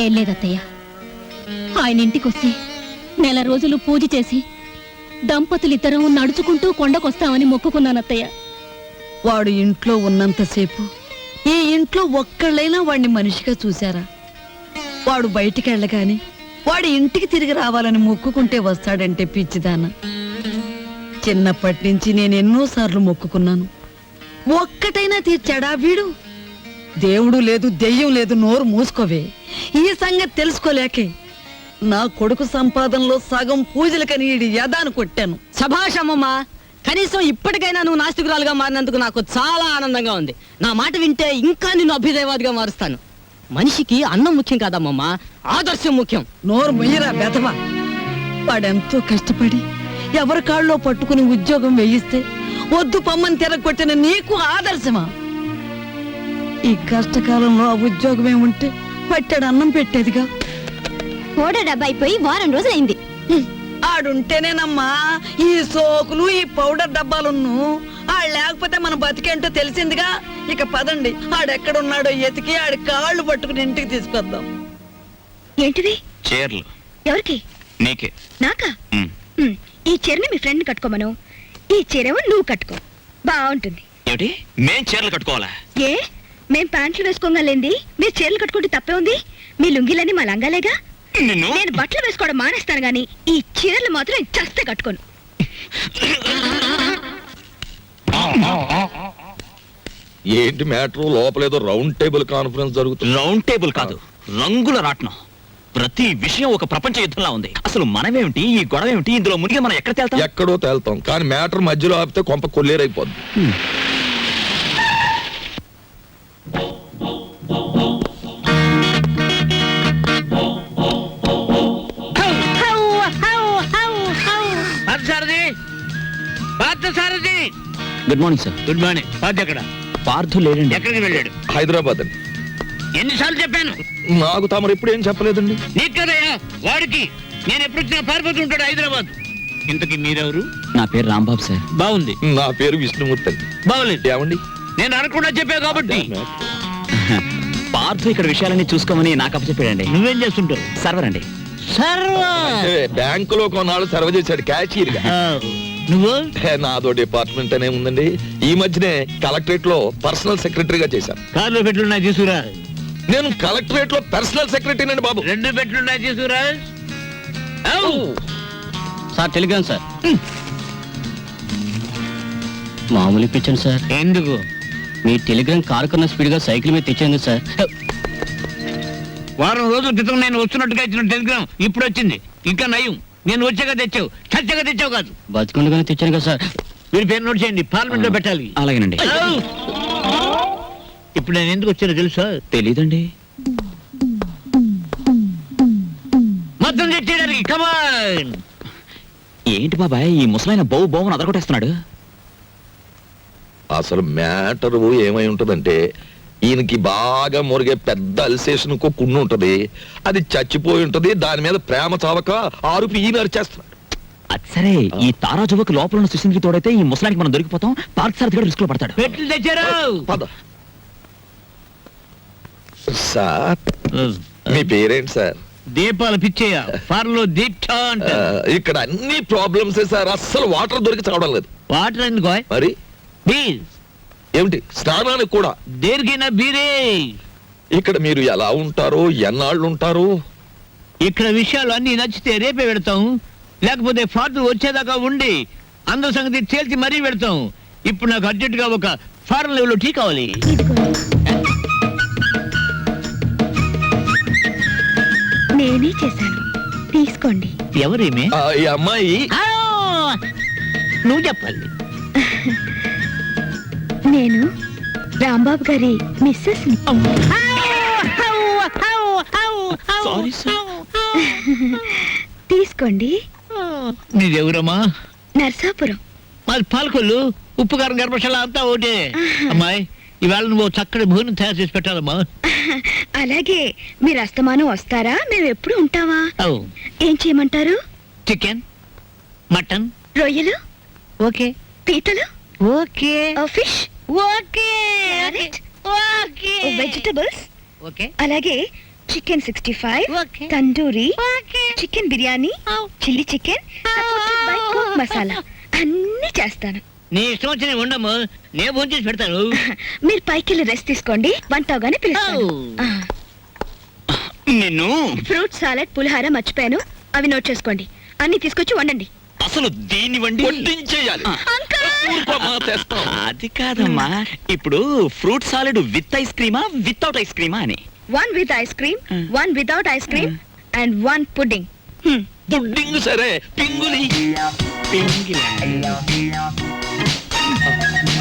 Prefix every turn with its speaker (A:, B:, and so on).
A: ఏం లేదత్తయ్య, ఆయన ఇంటికొస్తే నెల రోజులు పూజ చేసి దంపతులిద్దరం నడుచుకుంటూ కొండకొస్తామని మొక్కుకున్నానత్తయ్య.
B: వాడు ఇంట్లో ఉన్నంతసేపు ఈ ఇంట్లో ఒక్కళ్ళైనా వాడిని మనిషిగా చూశారా? వాడు బయటికి వెళ్ళగాని వాడి ఇంటికి తిరిగి రావాలని మొక్కుకుంటే వస్తాడంటే పిచ్చిదాన. చిన్నప్పటి నుంచి నేను ఎన్నోసార్లు మొక్కుకున్నాను, ఒక్కటైనా తీర్చాడా వీడు? దేవుడు లేదు, దెయ్యం లేదు, నోరు మూసుకోవే. ఈ సంగతి తెలుసుకోలేకే నా కొడుకు సంపాదనలో సగం పూజలకని ఈడి యదాను కొట్టాను.
C: సభాష్ అమ్మమ్మ, కనీసం ఇప్పటికైనా నువ్వు నాస్తికురాలుగా మారినందుకు నాకు చాలా ఆనందంగా ఉంది. నా మాట వింటే ఇంకా నిన్ను అభ్యుదయవాదిగా మారుస్తాను. మనిషికి అన్నం ముఖ్యం కాదమ్మమ్మ, ఆదర్శం ముఖ్యం.
B: నోరు మొయ్యరా బెదవా. వాడెంతో కష్టపడి ఎవరి కాళ్ళలో పట్టుకుని ఉద్యోగం వేయిస్తే వద్దు పమ్మని తిరగొట్టిన నీకు ఆదర్శమా? ఈ కష్టకాలంలో ఆ ఉద్యోగమే ఉంటే పట్టాడు అన్నం పెట్టేదిగా.
A: ఓడ డబ్బా అయిపోయి వారం రోజులైంది.
B: ఆడుంటేనేనమ్మా ఈ సోకులు, ఈ పౌడర్ డబ్బాలున్ను. ఆడు లేకపోతే మన బతికేంటో తెలిసిందిగా. ఇక పదండి, ఆడెక్కడున్నాడో ఎతికి ఆడి కాళ్ళు పట్టుకుని ఇంటికి తీసుకొద్దాం.
D: ఏంటిది?
E: చీరలు.
D: ఎవరికి?
E: నీకే.
D: నాకా? ఈ చీరని మీ ఫ్రెండ్ కట్టుకోమను, ఈ చీరేమో నువ్వు కట్టుకో, బాగుంటుంది.
E: ఏమిటి, మేం చీరలు కట్టుకోవాలా?
D: ఏ, మేం ప్యాంట్లు వేసుకోగలేంది మీరు చీరలు కట్టుకుంటే తప్పే ఉంది? మీ లుంగిలని మా లంగాలేగా. నేను బట్టలు వేసుకోవడం మానేస్తాను గాని ఈ చీరలు మాత్రం నేను చస్తే కట్టుకోను.
F: ఏంటి మ్యాటర్? లోపలేదో రౌండ్ టేబుల్ కాన్ఫరెన్స్ జరుగుతుంది.
E: రౌండ్ టేబుల్ కాదు, రంగుల రాట్నం. ప్రతి విషయం ఒక ప్రపంచ యుద్ధంలా ఉంది. అసలు మనమేమిటి, ఈ గొడవ ఏమిటి, ఇందులో మునిగి మనం ఎక్కడ తేల్తాం?
F: ఎక్కడో తేల్తాం, కానీ మ్యాటర్ మధ్యలో ఆపితే కొంప కొల్లేరైపోద్ది.
E: Good morning sir.
G: Good morning. Parth ఎక్కడ?
E: పార్థు లేడండి.
G: ఎక్కడికి వెళ్ళాడు?
F: హైదరాబాద్ అండి.
G: ఎన్నిసార్లు చెప్పాను?
F: నాకు తమరు ఎప్పుడు ఏం చెప్పలేదండి.
G: నీకు కదయ్యా, వాడికి. నేను ఎప్పుడు వచ్చినా పారిపోతూ ఉంటాడు హైదరాబాద్. ఇంతకీ మీరెవరు?
E: నా పేరు రాంబాబు సార్.
G: బాగుంది.
F: నా పేరు విష్ణుమూర్తి అండి.
G: బాగులేదు.
F: ఏమండి?
G: నేను అనకుండా చెప్పావు కాబట్టి.
E: పార్థు ఇక్కడ విషయాలన్నీ చూసుకోమని నాకు అప్పచెప్పాడండి.
G: నువ్వేం చేస్తుంటావు?
E: సర్వర్ అండి.
F: బ్యాంకులో కొన్నాళ్ళు సర్వ్ చేశాడు క్యాషియర్ గా.
G: నువ్వు?
F: నాదో డిపార్ట్మెంట్ అనే ఉందండి. ఈ మధ్యనే కలెక్టరేట్ లో పర్సనల్ సెక్రటరీగా చేశాను.
G: కార్లో పెట్లున్నాయి తీసుకురా.
F: నేను కలెక్టరేట్ లో పర్సనల్ సెక్రటరీ అండి బాబు.
G: 2 పెట్లున్నాయి తీసుకురా.
C: Sir telegram sir. మామూలు ఇప్పించండి సార్.
G: ఎందుకు?
C: మీ టెలిగ్రామ్ కారు కన్నా స్పీడ్ గా సైకిల్ మీద తెచ్చేందుకు సార్.
G: వారం రోజుల క్రితం నేను వస్తున్నట్టుగా ఇచ్చిన టెలిగ్రామ్ ఇప్పుడు వచ్చింది. ఇంకా నయం, నేను వచ్చాక తెచ్చావు, చచ్చాక తెచ్చావు కాదు.
C: బతుకుండగానే తెచ్చాను కదా సార్.
G: మీరు పేరు నోట్ చేయండి, పార్లమెంట్ లో పెట్టాలి.
E: అలాగేనండి.
G: ఇప్పుడు నేను ఎందుకు వచ్చానో తెలుసా?
E: తెలీదండి.
G: మొత్తం తెచ్చేయడానికి. కమాన్.
E: ఏంటి బాబాయ్, ఈ ముసలాయన బౌ బౌని అదరగొట్టేస్తున్నాడు.
F: అసలు మ్యాటర్ ఏమై ఉంటదంటే, ఈయనకి బాగా మురిగే పెద్ద అల్సేషన్ కున్ను ఉంటది. అది చచ్చిపోయి ఉంటది. దాని మీద ప్రేమ చావక ఆరుపి ఈయన అరిచేస్తున్నాడు.
E: అది సరే, ఈ తారా జువకు లోపల ఉన్న సుశీల్కి తోడైతే ఈ ముసలానికి మనం దొరికిపోతాం. పార్క్ సార్ కూడా రిస్క్ లో పడతాడు.
G: పెట్లు తెచ్చారు.
F: పద. సార్, మీ పేరేంటి సార్?
G: దీపాలు పిచ్చేయ. ఫార్లో దీప్చా అంట.
F: ఇక్కడ అన్ని ప్రాబ్లమ్స్ సార్. అస్సలు వాటర్ దొరికి చావడం లేదు.
G: వాటర్ ఎందుకో?
F: మరి
G: బీర్
F: ఏమిటి, స్నానానికి కూడా?
G: దేనికైనా బీరే.
F: ఇక్కడ మీరు ఎలా ఉంటారు, ఎన్నాళ్ళు ఉంటారు?
G: ఇక్కడ విషయాలు అన్ని నచ్చితే రేపే పెడతాం, లేకపోతే ఫార్త్ వచ్చేదాకా ఉండి అందరి సంగతి తేల్చి మరీ పెడతాం. ఇప్పుడు నాకు అర్జెంట్ గా ఒక ఫారెన్ లెవెల్ టీ కావాలి.
D: నేనే చేశాను, తీసుకోండి.
G: ఎవరేమే?
F: ఈ అమ్మాయి.
G: నువ్వు చెప్పాలి.
D: నేను రాంబాబు గారి మిస్సెస్ ని.
E: Sorry sir.
D: తీసుకోండి.
G: నీదెవరమ్మా?
D: నర్సాపురం.
G: మాది పాలకొల్లు. ఉప్పు కారం గర్భశాల అంతా ఒకటే. అమ్మాయి, ఇవాళ నువ్వు చక్కటి భోజనం తయారు చేసి పెట్టాలమ్మా.
D: అలాగే. మీరు అస్తమానం వస్తారా? మేము ఎప్పుడు ఉంటావా? ఏం చేయమంటారు?
G: చికెన్, మటన్,
D: రొయ్యలు,
G: ఓకే.
D: పీతలు,
G: okay.
D: Fish,
G: okay.
D: Carrot,
G: okay.
D: Vegetables,
G: okay.
D: అలాగే chicken 65,
A: Okay.
D: Tandoori,
A: Okay.
D: Chicken biryani, chilli chicken, supported by cook masala అన్ని చేస్తాను.
G: నీ ఇష్టం వచ్చిన ఉండము నేను ఫోన్ చేసి పెడతాను.
D: మీరు పైకి వెళ్ళి రెస్ట్ తీసుకోండి, వంట అవగానే పిలుస్తాను.
E: నిన్ను
D: ఫ్రూట్ సాలెడ్, పులిహార మర్చిపోయాను, అవి నోట్ చేసుకోండి. అన్ని తీసుకొచ్చి వండండి.
E: అసలు దీన్ని వండి
F: వడ్డించేయాలి. ఊరుకోమ్మా, తెస్తాం.
E: అది కాదమ్మా, ఇప్పుడు ఫ్రూట్ సాలెడ్ విత్ ఐస్ క్రీమా వితౌట్ ఐస్ క్రీమా అని.
D: 1 with ice cream, 1 without ice cream, and 1 pudding.
F: Pudding సరే, పింగులి.
E: పింగిలా.